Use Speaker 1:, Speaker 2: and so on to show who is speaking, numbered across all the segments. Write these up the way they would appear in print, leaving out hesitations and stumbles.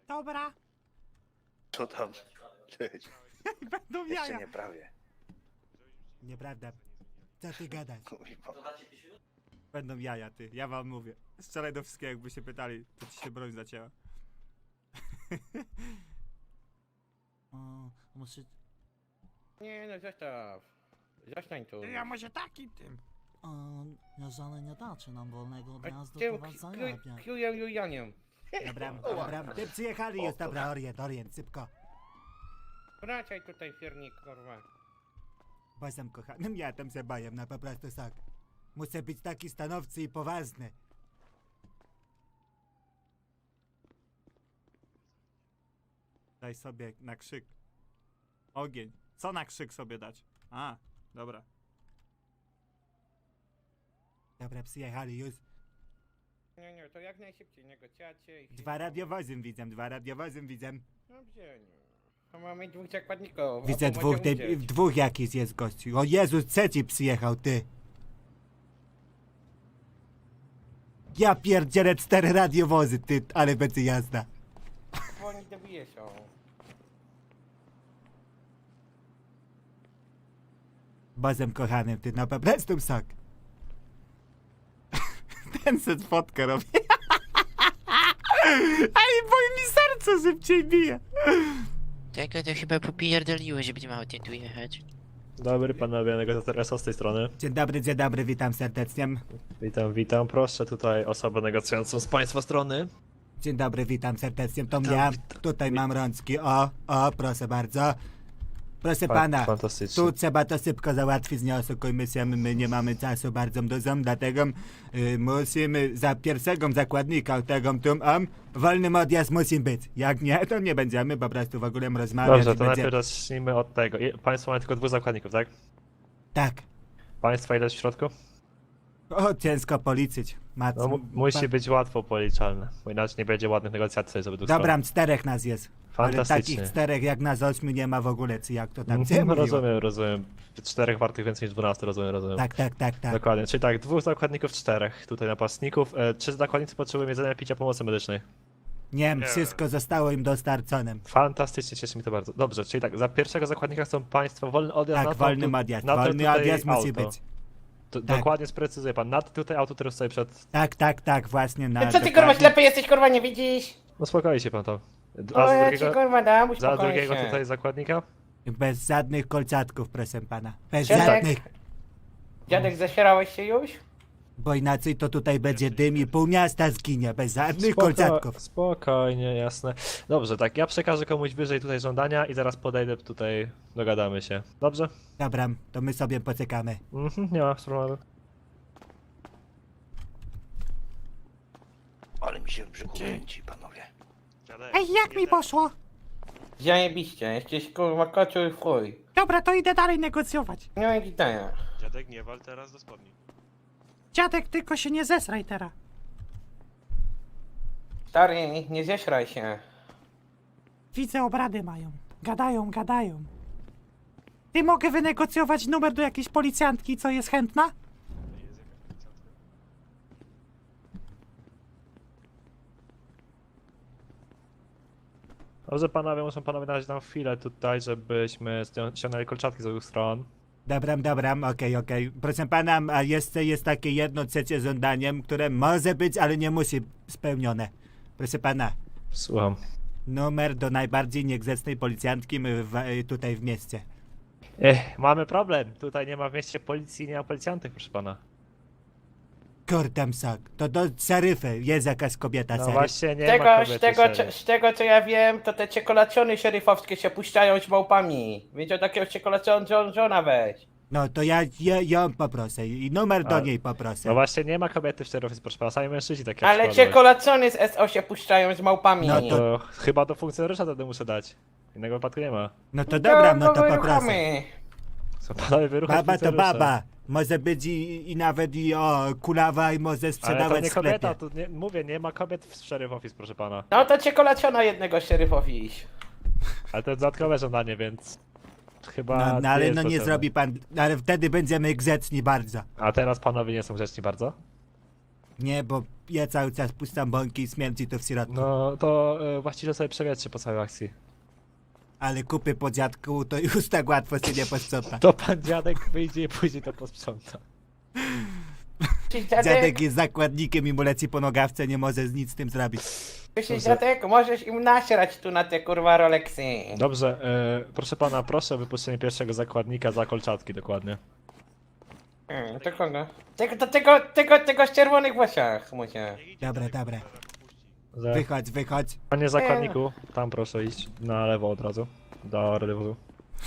Speaker 1: Dobra.
Speaker 2: Co tam? Cześć.
Speaker 1: Będą
Speaker 2: Jeszcze
Speaker 1: jaja.
Speaker 2: nie prawie.
Speaker 1: Nieprawda. Co ty gadasz?
Speaker 2: Kurwa.
Speaker 1: Będą jaja, ty. Ja wam mówię. Strzelaj do wszystkiego, jakby się pytali, to ci się broń zacięła.
Speaker 3: O, muszę...
Speaker 4: Nie no, zostaw. Zostań tu.
Speaker 1: Ja może takim tym.
Speaker 3: O, jeżeli nie dacie nam wolnego odjazdu,
Speaker 4: Tył,
Speaker 3: to was zajebię.
Speaker 4: Kiuję Julianiem.
Speaker 1: Dobra, dobra. Ty przyjechali już, dobra, orient, szybko.
Speaker 4: Wracaj tutaj, fiernik, kurwa.
Speaker 1: Bazem kochanym, ja tam się baję, na po prostu tak. Muszę być taki stanowczy i poważny. Daj sobie na krzyk. Ogień. Co na krzyk sobie dać? A, dobra. Dobra, przyjechali już.
Speaker 4: Nie, to jak najszybciej negocjacje i...
Speaker 1: Dwa radiowozem widzę.
Speaker 4: Dobrze, no. To mamy dwóch zakładników.
Speaker 1: Widzę
Speaker 4: a
Speaker 1: dwóch,
Speaker 4: pomoże uciec.
Speaker 1: dwóch jakiś jest gościu. O Jezus, trzeci przyjechał, ty. Ja pierdzielę 4 radiowozy, ty, ale będzie jazda.
Speaker 4: Bo oni dobije są.
Speaker 1: Bazem kochanym, ty, na po prostu sok. Ten set fotkę robi. Ale bo mi serce szybciej bije.
Speaker 5: Tego to chyba popierdoliło, żeby nie miało tu jechać.
Speaker 6: Dobry panowie, negocjator SO z tej strony.
Speaker 1: Dzień dobry, witam serdecznie.
Speaker 6: Witam. Proszę tutaj osobę negocjującą z państwa strony.
Speaker 1: Dzień dobry, witam serdecznie. To ja. Tutaj mam rączki. O, proszę bardzo. Proszę pana,
Speaker 6: Fantastycznie.
Speaker 1: tu trzeba to szybko załatwić, nie oszukujmy się, my nie mamy czasu bardzo dużo, dlatego musimy za pierwszego zakładnika tego wolnym odjazd musi być. Jak nie, to nie będziemy po prostu w ogóle rozmawiać.
Speaker 6: Dobrze,
Speaker 1: i
Speaker 6: to
Speaker 1: będzie...
Speaker 6: najpierw zacznijmy od tego. Państwo mają tylko 2 zakładników, tak?
Speaker 1: Tak.
Speaker 6: Państwa ile jest w środku?
Speaker 1: O, ciężko policzyć.
Speaker 6: No, musi być łatwo policzalne, bo inaczej nie będzie ładnych negocjacji z obydwu stron.
Speaker 1: Dobra, 4 nas jest. Ale
Speaker 6: Fantastycznie.
Speaker 1: takich 4 jak nas 8 nie ma w ogóle, czy jak to tam się mówiło.
Speaker 6: Rozumiem. 4 wartych więcej niż 12, rozumiem.
Speaker 1: Tak.
Speaker 6: Dokładnie, czyli tak, 2 zakładników, 4 tutaj napastników. 3 zakładnicy potrzebują jedzenia, picia, pomocy medycznej.
Speaker 1: Nie, wszystko zostało im dostarczone.
Speaker 6: Fantastycznie, cieszy mi to bardzo. Dobrze, czyli tak, za pierwszego zakładnika chcą państwo wolny odjazd
Speaker 1: Tak,
Speaker 6: na to,
Speaker 1: wolny odjazd.
Speaker 6: na to
Speaker 1: Wolny
Speaker 6: tutaj
Speaker 1: odjazd musi
Speaker 6: auto.
Speaker 1: być. Tak.
Speaker 6: Dokładnie sprecyzuję pan. Na to tutaj auto, które stoi przed...
Speaker 1: Tak, właśnie na.
Speaker 4: Co ty kurwa
Speaker 1: dokładnie.
Speaker 4: ślepy jesteś, kurwa nie widzisz?
Speaker 6: No spokojnie się pan tam.
Speaker 4: O,
Speaker 6: A
Speaker 4: ja ci kurwa dam,
Speaker 6: za
Speaker 4: uspokoj
Speaker 6: drugiego
Speaker 4: się.
Speaker 6: tutaj zakładnika?
Speaker 1: Bez żadnych kolczatków, proszę pana. Bez
Speaker 4: Dziadek?
Speaker 1: żadnych.
Speaker 4: Dziadek, zasierałeś się już?
Speaker 1: Bo inaczej to tutaj będzie dym i pół miasta zginie. Bez żadnych kolczatków.
Speaker 6: Spokojnie, jasne. Dobrze, tak, ja przekażę komuś wyżej tutaj żądania i zaraz podejdę tutaj, dogadamy się. Dobrze?
Speaker 1: Dobra, to my sobie poczekamy.
Speaker 6: Nie ma problemu.
Speaker 2: Ale mi się w brzuchu kręci, panowie.
Speaker 1: Ej, jak mi poszło?
Speaker 4: Zajebiście, jesteś kurwa kocioł i w chuj.
Speaker 1: Dobra, to idę dalej negocjować.
Speaker 4: Nie ma gitania.
Speaker 7: Dziadek, nie wal teraz do spodni.
Speaker 1: Dziadek, tylko się nie zesraj teraz.
Speaker 4: Stary, nie zesraj się.
Speaker 1: Widzę, obrady mają. Gadają. Ty mogę wynegocjować numer do jakiejś policjantki, co jest chętna?
Speaker 6: Dobrze panowie, muszą panowie dać nam chwilę tutaj, żebyśmy ściągnęli kolczatki z obu stron.
Speaker 1: Dobra, okej. Proszę pana, a jeszcze jest takie jedno trzecie żądaniem, które może być, ale nie musi spełnione. Proszę pana,
Speaker 6: Słucham.
Speaker 1: numer do najbardziej niegrzecznej policjantki tutaj w mieście.
Speaker 6: Mamy problem. Tutaj nie ma w mieście policji, nie ma policjantów, proszę pana.
Speaker 1: Kordam sok, to do szeryfy jest jakaś kobieta,
Speaker 6: No
Speaker 1: szeryf.
Speaker 6: właśnie nie ma kobiety szeryf.
Speaker 4: Z tego co ja wiem, to te czekolacjony szeryfowskie się puszczają z małpami. Więc o takiego czekolacjona weź.
Speaker 1: No to ja ją poproszę i numer do
Speaker 6: A,
Speaker 1: niej poproszę.
Speaker 6: No właśnie nie ma kobiety w szeryfie, proszę pana, sami mężczyźni takie
Speaker 4: Ale czekolacjony z SO się puszczają z małpami.
Speaker 1: No
Speaker 6: To chyba do funkcjonariusza wtedy muszę dać. Innego wypadku nie ma.
Speaker 1: No to dobra, no to poproszę.
Speaker 4: wyruchamy.
Speaker 6: Są panowie wyruchać
Speaker 1: Baba to
Speaker 6: funkcjonariusza.
Speaker 1: baba. Może być i nawet kulawa i może
Speaker 6: Ale to
Speaker 1: sprzedawać
Speaker 6: nie
Speaker 1: w sklepie.
Speaker 6: kobieta, tu nie, mówię, nie ma kobiet w sheriff office, proszę pana.
Speaker 4: No to czekolacjona jednego szeryfowi iść.
Speaker 6: Ale to jest dodatkowe żądanie, więc chyba
Speaker 1: No ale
Speaker 6: jest
Speaker 1: no nie
Speaker 6: potrzebne.
Speaker 1: zrobi pan, ale wtedy będziemy grzeczni bardzo.
Speaker 6: A teraz panowie nie są grzeczni bardzo?
Speaker 1: Nie, bo ja cały czas puszczam bąki i śmierci to w środku.
Speaker 6: No to właściwie sobie przewiecie po całej akcji.
Speaker 1: Ale kupy po dziadku to już tak łatwo się nie posprząta.
Speaker 6: To pan dziadek wyjdzie i później to posprząta.
Speaker 4: Cześć,
Speaker 1: Dziadek jest zakładnikiem i mu leci po nogawce, nie może nic z tym zrobić.
Speaker 4: Cześć, dziadek, możesz im nasrać tu na te kurwa Rolexy.
Speaker 6: Dobrze, proszę pana, proszę o wypuszczenie pierwszego zakładnika za kolczatki dokładnie.
Speaker 4: To kogo? Tego z czerwonych włosach, musia.
Speaker 1: Dobra, dobra.
Speaker 6: Że...
Speaker 1: Wychodź, wychodź.
Speaker 6: Panie zakładniku, tam proszę iść na lewo od razu. Do rewozu.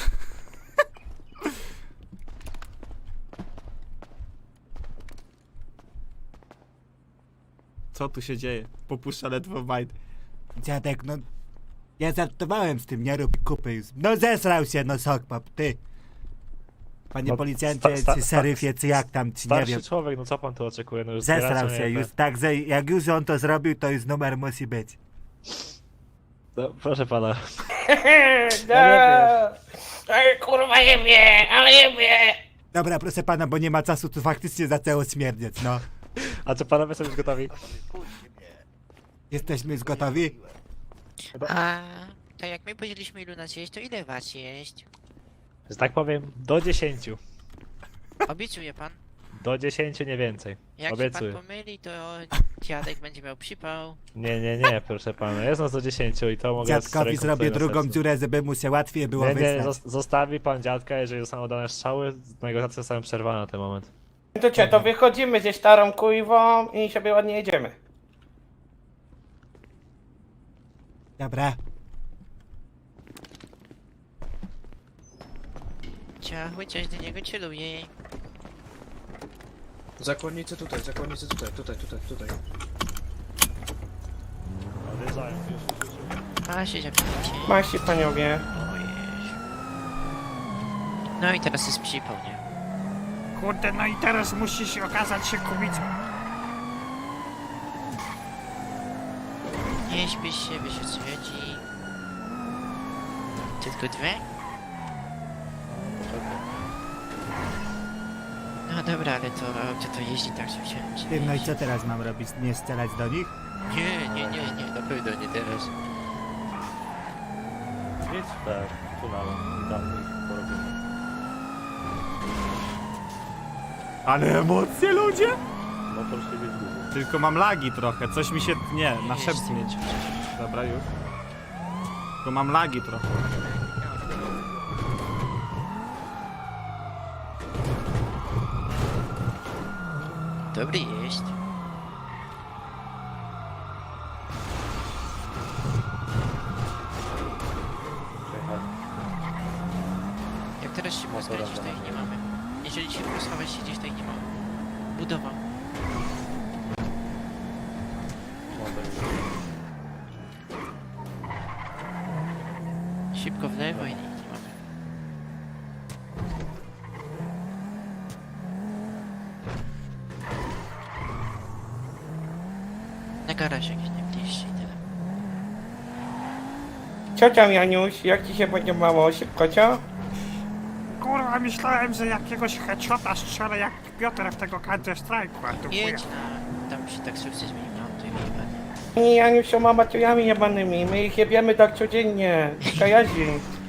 Speaker 1: Co tu się dzieje? Popuszcza ledwo mind. Dziadek, no... Ja żartowałem z tym, nie rób kupy już. No zesrał się, no sokpap, ty. Panie
Speaker 6: No,
Speaker 1: policjancie, czy szeryfie, czy jak tam, czy nie
Speaker 6: Starszy
Speaker 1: wiem.
Speaker 6: człowiek, no co pan tu oczekuje? No już
Speaker 1: Zesrał
Speaker 6: zbieracie
Speaker 1: się
Speaker 6: mnie
Speaker 1: już, także jak już on to zrobił, to już numer musi być.
Speaker 6: No, proszę pana.
Speaker 4: No. Ej, kurwa jebie, ale jebie.
Speaker 1: Dobra, proszę pana, bo nie ma czasu, tu faktycznie zaczęło śmierdzieć, no.
Speaker 6: A czy panowie są już gotowi?
Speaker 2: Puśćcie mnie.
Speaker 1: Jesteśmy już gotowi?
Speaker 5: A tak jak my powiedzieliśmy ilu nas jeść, to ile was jeść?
Speaker 6: Że tak powiem, do 10.
Speaker 5: Obiecuję pan.
Speaker 6: Do 10 nie więcej.
Speaker 5: Jak
Speaker 6: Obiecuję.
Speaker 5: się pan pomyli, to dziadek będzie miał przypał.
Speaker 6: Nie, proszę pana. Jest nas do 10 i to mogę z
Speaker 1: Dziadkowi
Speaker 6: ręką
Speaker 1: zrobię
Speaker 6: tutaj na
Speaker 1: drugą
Speaker 6: sercu.
Speaker 1: dziurę, żeby mu się łatwiej było
Speaker 6: Nie,
Speaker 1: wysłać.
Speaker 6: zostawi pan dziadka, jeżeli zostaną dane strzały, negocjacje zostają przerwane na ten moment.
Speaker 4: To wychodzimy ze starą kujwą i sobie ładnie jedziemy.
Speaker 1: Dobra.
Speaker 5: Ciachły coś do niego celuje.
Speaker 8: Zakładnicy tutaj, tutaj.
Speaker 6: Odjeżdżają już.
Speaker 5: A się zapnijcie.
Speaker 4: Maści paniowie.
Speaker 5: Ojej. No i teraz jest przypał, nie?
Speaker 1: Kurde, no i teraz musisz okazać się kubicą.
Speaker 5: Nie śpiesz się, wiesz o co chodzi. Tylko dwie? No dobra, ale to auto to jeździ tak, że chciałem się
Speaker 1: Ty, no i
Speaker 5: jeździ.
Speaker 1: co teraz mam robić? Nie strzelać do nich?
Speaker 5: Nie, na pewno nie teraz.
Speaker 6: Idź tak, tunelem. Tam porobimy.
Speaker 1: Ale emocje, ludzie!
Speaker 6: Motor się zgubił.
Speaker 1: Tylko mam lagi trochę, coś mi się... Nie, na
Speaker 5: Jeźdź,
Speaker 1: szepcie.
Speaker 5: jeźdź.
Speaker 1: Dobra, już. Tylko mam lagi trochę.
Speaker 5: Dobry jest. Jak teraz się poskręcisz, to ich nie mamy. Jeżeli się poschować siedzisz, to ich nie mamy. Budowa. Szybko w lewo i ich nie mamy. Na garaż jakiś najbliższy i tyle.
Speaker 4: Co tam, Janiuś? Jak ci się podobało? Szybko, co?
Speaker 9: Kurwa, myślałem, że jakiegoś headshota strzelę jak Piotr w tego Counter Strike'u, a tu chuja.
Speaker 5: Jedź na... tam przy taksówce zmienimy auto i wyjebane.
Speaker 4: Nie, Janiuś są amatorami jebanymi. My ich jebiemy tak codziennie. Kajazi.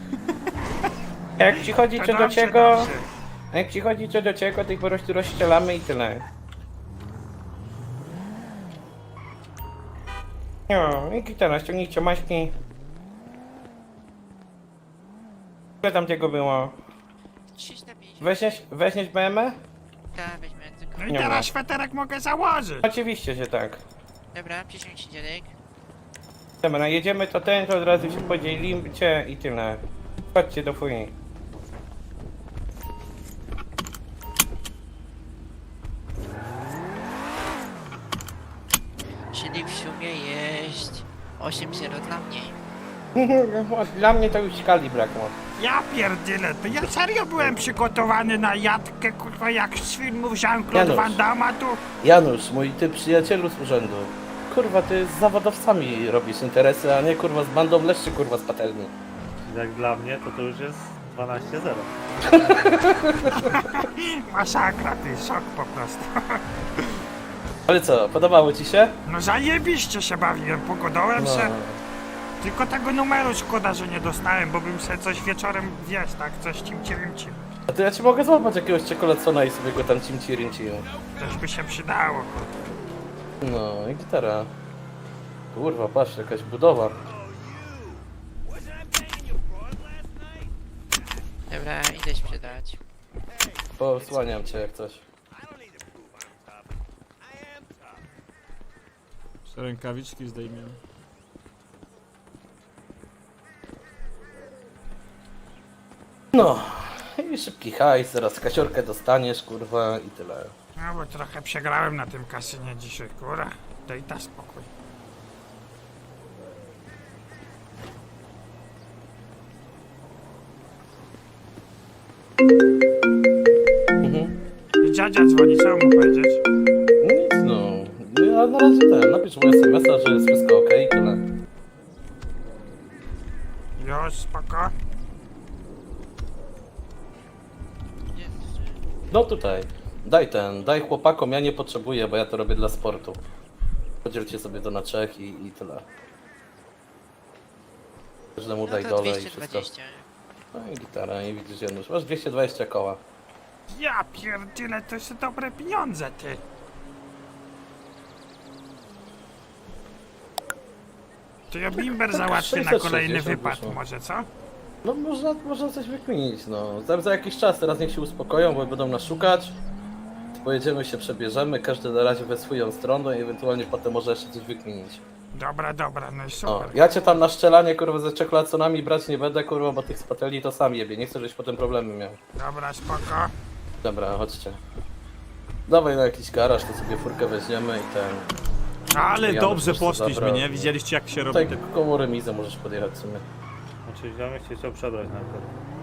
Speaker 4: Jak przychodzi co do
Speaker 9: Dobrze,
Speaker 4: czego...
Speaker 9: dobrze.
Speaker 4: A jak przychodzi co do czego, to ich po prostu rozstrzelamy i tyle. No, i gitara, ściągnijcie maśki. Ile tam tego było?
Speaker 5: 350.
Speaker 4: Weźmiesz BMW?
Speaker 5: Tak, weźmy tylko.
Speaker 9: No i
Speaker 4: Nie
Speaker 9: teraz
Speaker 4: ma.
Speaker 9: sweterek mogę założyć.
Speaker 4: Oczywiście, że tak.
Speaker 5: Dobra, przysiądź się dziadek.
Speaker 4: Dobra, jedziemy to ten, to od razu się podzielicie i tyle. Chodźcie do fuj.
Speaker 5: Czyli w sumie jest 8-0 dla mnie.
Speaker 4: Dla mnie to już skali brakło.
Speaker 9: Ja pierdolę, to ja serio byłem przygotowany na jatkę, kurwa, jak z filmów Jean-Claude
Speaker 4: Janusz.
Speaker 9: Van Damme tu.
Speaker 4: Janusz, mój ty przyjacielu z urzędu. Kurwa, ty z zawodowcami robisz interesy, a nie kurwa z bandą leszczy kurwa z patelni.
Speaker 6: Jak dla mnie, to już jest 12-0.
Speaker 9: Masakra, ty, szok po prostu.
Speaker 4: Ale co, podobało ci się?
Speaker 9: No zajebiście się bawiłem, pogodołem
Speaker 4: No.
Speaker 9: się. Tylko tego numeru szkoda, że nie dostałem, bo bym sobie coś wieczorem, wiesz, tak, coś cimci-rimci.
Speaker 4: A to ja ci mogę złapać jakiegoś czekoladcona i sobie go tam cimci-rimci.
Speaker 9: Coś by się przydało, kurde.
Speaker 4: No i gitara. Kurwa, patrz, jakaś budowa.
Speaker 5: Dobra, idę sprzedać.
Speaker 4: Posłaniam cię jak coś.
Speaker 8: Rękawiczki zdejmiemy.
Speaker 4: No i szybki hajs, zaraz kasiorkę dostaniesz, kurwa i tyle.
Speaker 9: No bo trochę przegrałem na tym kasynie dzisiaj, kurwa. Daj ta spokój.
Speaker 4: Mhm.
Speaker 9: I dziadzia dzwoni, co mu powiedzieć?
Speaker 4: Nic no. Ja na razie napisz mu SMS-a, że jest wszystko okej i tyle.
Speaker 9: Już, spoko.
Speaker 4: No tutaj. Daj chłopakom, ja nie potrzebuję, bo ja to robię dla sportu. Podzielcie sobie to na 3 i tyle. Każdemu
Speaker 5: No
Speaker 4: daj
Speaker 5: to
Speaker 4: dole i wszystko.
Speaker 5: 220.
Speaker 4: No i gitara, i widzisz Janusz, masz 220 koła.
Speaker 9: Ja pierdyle, to są dobre pieniądze, ty. To ja bimber załatwię na
Speaker 4: 660
Speaker 9: kolejny wypad,
Speaker 4: wyszło.
Speaker 9: może co?
Speaker 4: No można coś wykminić, no. Za jakiś czas, teraz niech się uspokoją, bo będą nas szukać. Pojedziemy się, przebierzemy, każdy na razie we swoją stronę i ewentualnie potem może jeszcze coś wykminić.
Speaker 9: Dobra, no i
Speaker 4: O,
Speaker 9: super.
Speaker 4: ja cię tam na szczelanie, kurwa, ze czekolaconami brać nie będę, kurwa, bo tych spateli to sam jebie. Nie chcę, żebyś potem problemy miał.
Speaker 9: Dobra, spoko.
Speaker 4: Dobra, chodźcie. Dawaj na jakiś garaż, to sobie furkę weźmiemy i ten...
Speaker 8: Ale
Speaker 4: Ja
Speaker 8: dobrze
Speaker 4: bym też
Speaker 8: poszliśmy,
Speaker 4: zabrał.
Speaker 8: nie? Widzieliście jak się robi
Speaker 4: Tutaj
Speaker 8: te...
Speaker 4: koło remizę możesz podjechać w sumie.
Speaker 7: Znaczy ziomek się chciał przebrać na przykład.